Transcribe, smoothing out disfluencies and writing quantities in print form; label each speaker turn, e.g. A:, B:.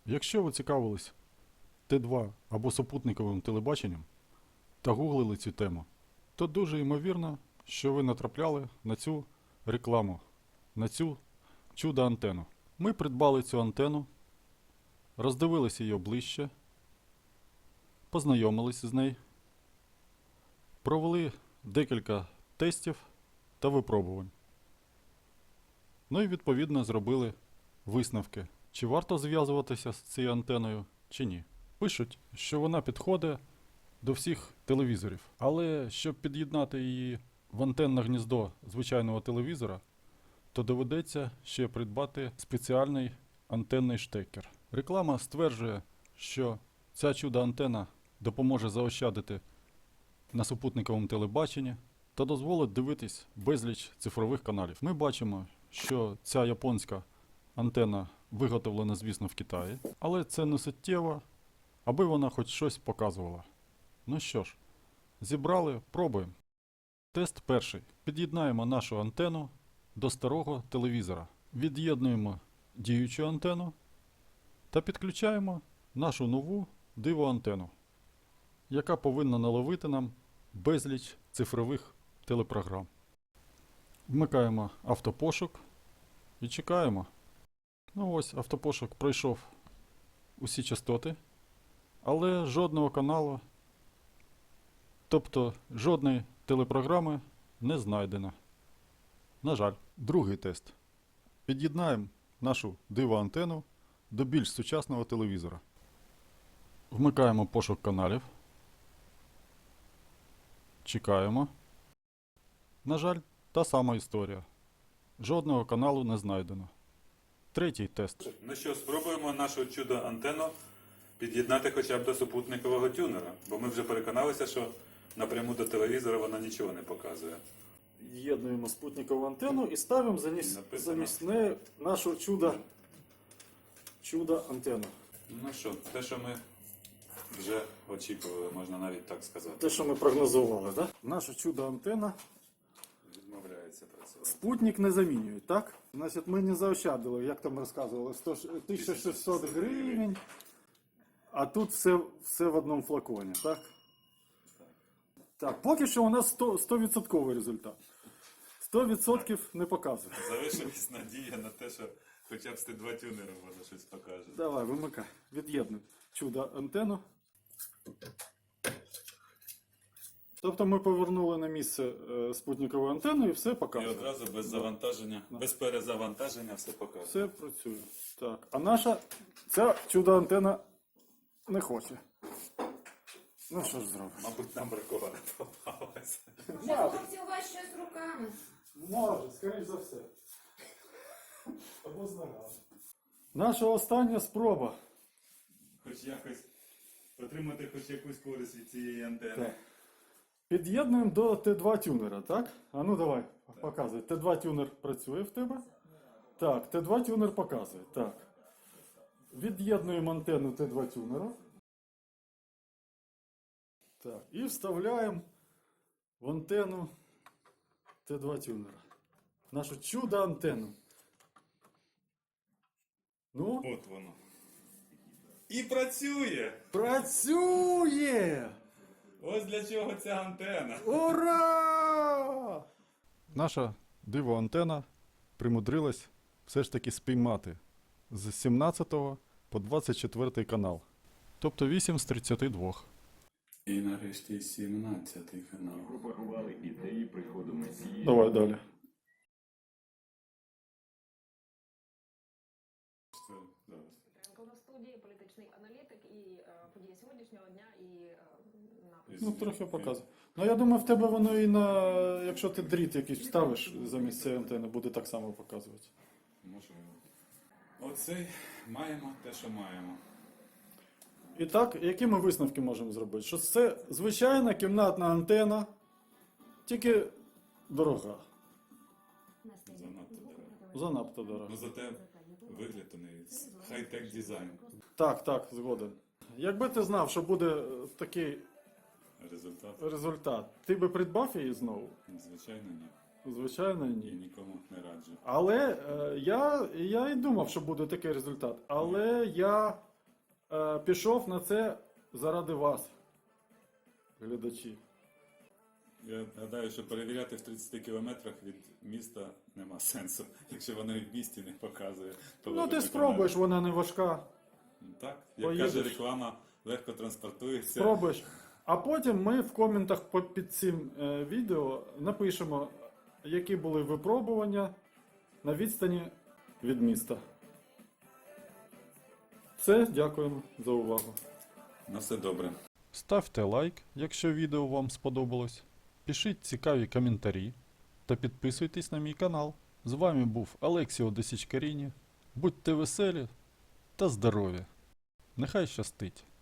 A: Якщо ви цікавились Т2 або супутниковим телебаченням та гуглили цю тему, то дуже ймовірно, що ви натрапляли на цю рекламу, на цю чудо-антенну. Ми придбали цю антенну, роздивилися її ближче, познайомилися з нею, провели декілька тестів та випробувань. Ну і відповідно зробили висновки, чи варто зв'язуватися з цією антеною, чи ні. Пишуть, що вона підходить до всіх телевізорів, але щоб під'єднати її в антенне гніздо звичайного телевізора, то доведеться ще придбати спеціальний антенний штекер. Реклама стверджує, що ця чудо-антенна допоможе заощадити на супутниковому телебаченні та дозволить дивитись безліч цифрових каналів. Ми бачимо, що ця японська антенна виготовлена, звісно, в Китаї, але це не суттєво, аби вона хоч щось показувала. Ну що ж, зібрали, пробуємо. Тест перший. Під'єднаємо нашу антенну до старого телевізора. Від'єднуємо діючу антенну та підключаємо нашу нову диво-антенну, яка повинна наловити нам безліч цифрових телепрограм. Вмикаємо автопошук і чекаємо. Ну ось, автопошук пройшов усі частоти, але жодного каналу, тобто жодної телепрограми не знайдено. На жаль. Другий тест. Під'єднаємо нашу диво-антенну до більш сучасного телевізора. Вмикаємо пошук каналів. Чекаємо. На жаль, та сама історія. Жодного каналу не знайдено. Третій тест.
B: Ну що, спробуємо нашу чудо-антенну під'єднати хоча б до супутникового тюнера, бо ми вже переконалися, що напряму до телевізора вона нічого не показує.
A: З'єднуємо спутникову антенну і ставимо замість неї нашу чудо-антенну.
B: Ну що, те, що ми вже очікували, можна навіть так сказати.
A: Те, що ми прогнозували, так? Наша чудо-антенна.
B: Відмовляється працювати.
A: Спутник не замінюють, так? Значить, ми не заощадили, як там розказували, 1600 гривень, а тут все в одному флаконі, так? Так, поки що у нас 100% результат. 100% не показує.
B: Залишилась надія на те, що хоча б з Т2 тюнером вона щось покаже.
A: Давай, вимикай. Від'єднуй чудо-антенну. Тобто ми повернули на місце спутникову антенну і все
B: І
A: показує.
B: одразу без завантаження, без перезавантаження все показує.
A: Все працює. Так, а наша ця чудо-антенна не хоче. Ну що ж зробиш?
B: Мабуть, нам бракувало попалося.
C: Може, хлопці, у вас щось руками?
A: Може, скоріш за все. Або з ногами. Наша остання спроба.
B: Хоч якось отримати хоч якусь користь від цієї антени.
A: Так. Під'єднуємо до Т2 тюнера, так? А ну давай, показуй. Т2 тюнер працює в тебе? Так, Т2 тюнер показує. Так. Від'єднуємо антенну Т2 тюнера. Так, і вставляємо в антенну Т2 тюнера. Нашу чудо-антенну. Ну?
B: От воно. І працює!
A: Працює!
B: Ось для чого ця антена.
A: Ура! Наша диво-антена примудрилась все ж таки спіймати з 17 по 24 канал. Тобто 8 з 32.
B: І нарешті 17-й канал.
D: Пропагували ідеї приходу Месії.
A: Давай далі.
C: На студії політичний аналітик і події сьогоднішнього дня, і напис.
A: Ну, трохи показує. Ну, я думаю, в тебе воно і на... Якщо ти дріт якийсь вставиш замість цієї антени, буде так само показувати.
B: Можливо. Оцей маємо те, що маємо.
A: І так, які ми висновки можемо зробити? Що це звичайна кімнатна антена, тільки дорога.
B: Занадто дорого.
A: Занадто дорога.
B: Ну зате вигляд у неї хай-тек дизайн.
A: Так, згоден. Якби ти знав, що буде такий результат, ти би придбав її знову?
B: Звичайно, ні.
A: Звичайно,
B: І
A: ні.
B: нікому не раджу.
A: Але я і думав, що буде такий результат. Але я пішов на це заради вас, глядачі.
B: Я гадаю, що перевіряти в 30 кілометрах від міста нема сенсу. Якщо воно і в місті не показує, то
A: Ну
B: воно
A: ти
B: не
A: спробуєш, вона не важка.
B: Так, як
A: Поїдеш.
B: каже реклама, легко транспортується.
A: Спробуєш. А потім ми в коментах під цим відео напишемо, які були випробування на відстані від міста. Все, дякуємо за увагу.
B: На все добре.
A: Ставте лайк, якщо відео вам сподобалось. Пишіть цікаві коментарі та підписуйтесь на мій канал. З вами був Алексіо Десічкаріні. Будьте веселі та здорові. Нехай щастить!